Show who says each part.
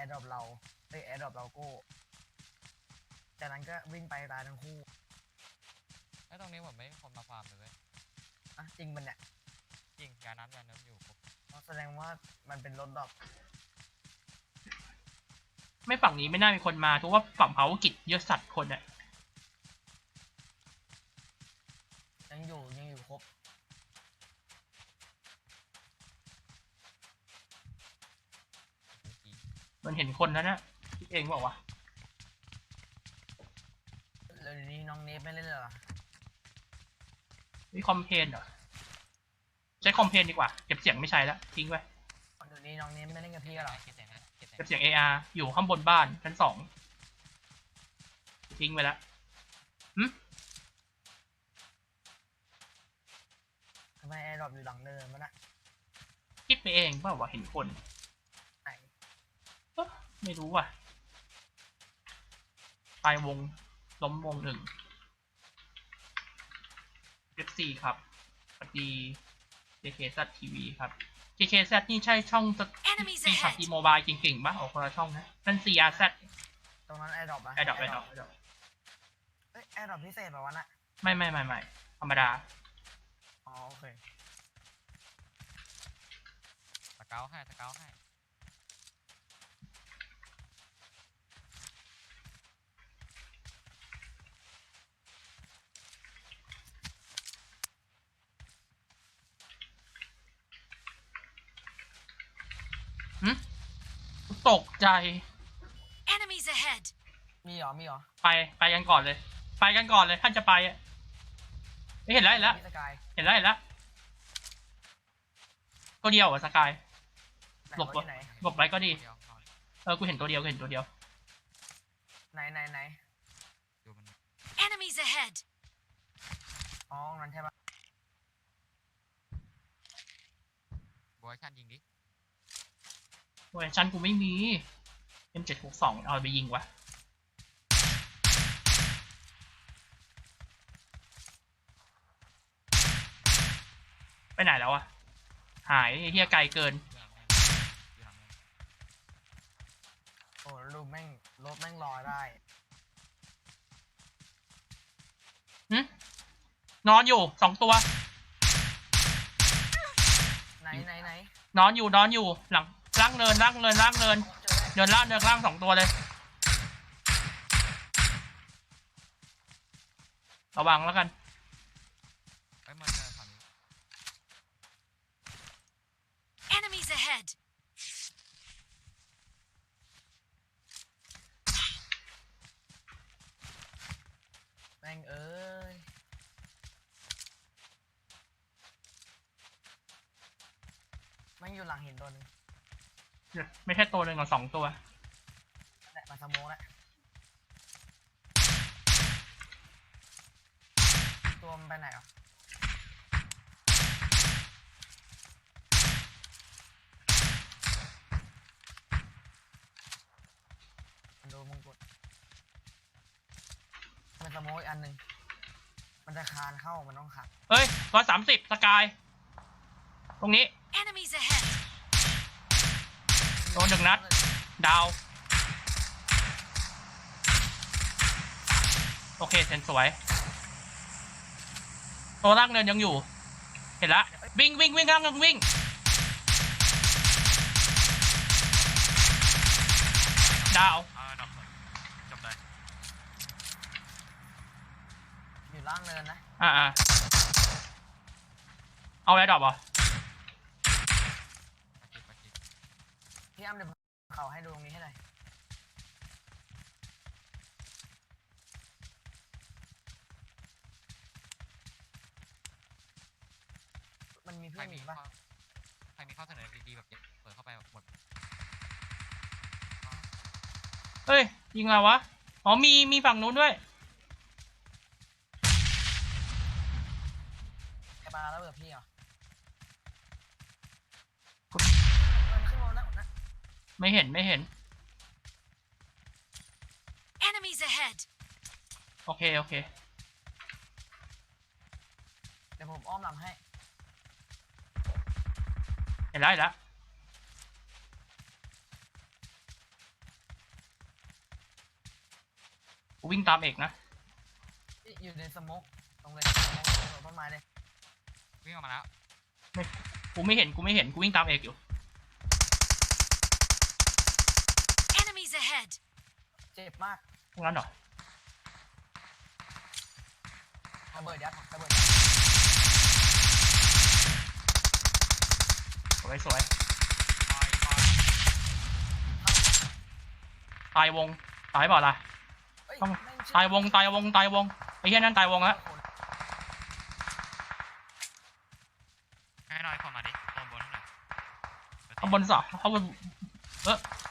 Speaker 1: ร์ดรอปเราแอร์ดรอปเราโก้จากนั้นก็วิ่งไปตายทั้งคู่
Speaker 2: ไอ้ตรงนี้ผมไม่มีคนมาฟาร์มเลยเว้ย
Speaker 1: อ่ะจริงมันเนี่ย
Speaker 2: จริงยาน้ำอยู่ครบ
Speaker 1: แสดงว่ามันเป็นรถดรอป
Speaker 3: ไม่ฝั่งนี้ไม่น่ามีคนมาทุกว่าฝั่งเผากิจเยอะสัตว์คนเนี่ย
Speaker 1: ยังอยู่ครบ
Speaker 3: มันเห็นคนแล้วนะคิดเองบอกว่า
Speaker 1: แล้วนี้น้องเนฟไม่เล่นเหรอ
Speaker 3: มีคอมเพนเหรอใช้คอมเพนดีกว่าเก็บเสียงไม่ใช้แล้วทิ้งไว้
Speaker 1: เดี๋ยวนี้น้องเนฟไม่เล่นกับพี่กันหรอ
Speaker 2: เก็บเสียง
Speaker 3: เก็บเสียง AR อยู่ข้างบนบ้านชั้น2ทิ้งไปแล้ว
Speaker 1: ทำไมแอร์ดรอปอยู่หลังเนินมันอะ
Speaker 3: คิดไปเองเปล่าว่าเห็นคน
Speaker 1: ไหน
Speaker 3: ไม่รู้ว่ะตายวงล้มวง1 F4 ครับสวัสดี JKZ TV ครับ JKZ นี่ใช่ช่องปีขับอีโมบายเก่งๆป่ะออกคนละช่องนะนั่น CRZ
Speaker 1: ตรงนั้นแอร์ดรอปอะ
Speaker 3: แอร์ดรอป
Speaker 1: แอร์ดรอปพิเศษแบบวันอะ
Speaker 3: ไม่ธรรมดา
Speaker 1: อ๋อโอเค
Speaker 2: สเกลให้
Speaker 3: ตกใจ
Speaker 1: มีเหรอ
Speaker 3: ไปกันก่อนเลยท่านจะไปไม่เห็นแล้วเห็นแล้วตัวเดียวสกายหลบไว้ก็ดีกูเห็นตัวเดียวไหน
Speaker 1: ดูมันอ๋อนั่นใช่ปะ
Speaker 2: บอยชันยิงดิ
Speaker 3: โอ้ยชั้นกูไม่มี M762เอาไปยิงวะไปไหนแล้วอะหายเฮียไกลเกิน
Speaker 1: โอ้รูปแม่งรถแม่งลอยได้
Speaker 3: นอนอยู่2 ตัว
Speaker 1: ไหน
Speaker 3: นอนอยู่หลังล่างเนินเดินล่าง2 ตัวเลยระวังแล้วกัน
Speaker 2: ไอ้มันจะทำนี้
Speaker 1: แม่งเอ้ยแม่งอยู่หลังหินตัวนึง
Speaker 3: ไม่ใช่ตัวหนึ่งหรอก2 ตัว
Speaker 1: แหละมาสโมกแล้วตัวมันไปไหนอ่ะมันโดนมงกุฎมันสโมกอีกอันหนึ่งมันจะคานเข้ามันต้องขัด
Speaker 3: เฮ้ย130สกายตรงนี้โดน1 นัดดาวโอเคเซนสวยตัวล่างเนินยังอยู่เห็นละวิ่งล่างวิ่งดาว
Speaker 2: จบเลย
Speaker 1: อยู่ล่างเนินนะ
Speaker 3: เอาแอร์ดรอปเหรอ
Speaker 1: พี่อ้ำเดี๋ยวเขาให้ดูตรงนี้ให้หน่อยมันมีเพื่อนอีกปะ
Speaker 2: ใครมีข้อเสนอดีๆแบบเปิดเข้าไปหมด
Speaker 3: เฮ้ยยิงอะไรวะอ๋อมีฝั่งนู้นด้วย
Speaker 1: ไอ้ปลาแล้วเบื่อพี่เหรอ
Speaker 3: ไม่เห็นโอเค
Speaker 1: เดี๋ยวผมอ้อมหลังให้
Speaker 3: เห็นแล้วกูวิ่งตามเอกนะ
Speaker 1: อยู่ในสโมกตรงเลยสโมกตรงต้นไม้เลย
Speaker 2: วิ่งออกมาแล้ว
Speaker 3: กูไม่เห็นกูวิ่งตามเอกอยู่
Speaker 4: Enemies ahead!
Speaker 1: เจ็บมาก
Speaker 3: ตรงนั้นเหรอ
Speaker 1: ระเบิดยัดระเบิด
Speaker 3: สวย
Speaker 2: ปล่อย
Speaker 3: ตายวงตายเปล่าล่ะ
Speaker 1: เอ้ย
Speaker 3: ต้อง
Speaker 1: แม่ง
Speaker 3: ตายวงไอ้เหี้ยนั่นตายวงแล้ว
Speaker 2: ให้หน่อยคนมาดิโดนบนหน่อย
Speaker 3: ข้างบนสอข้างบน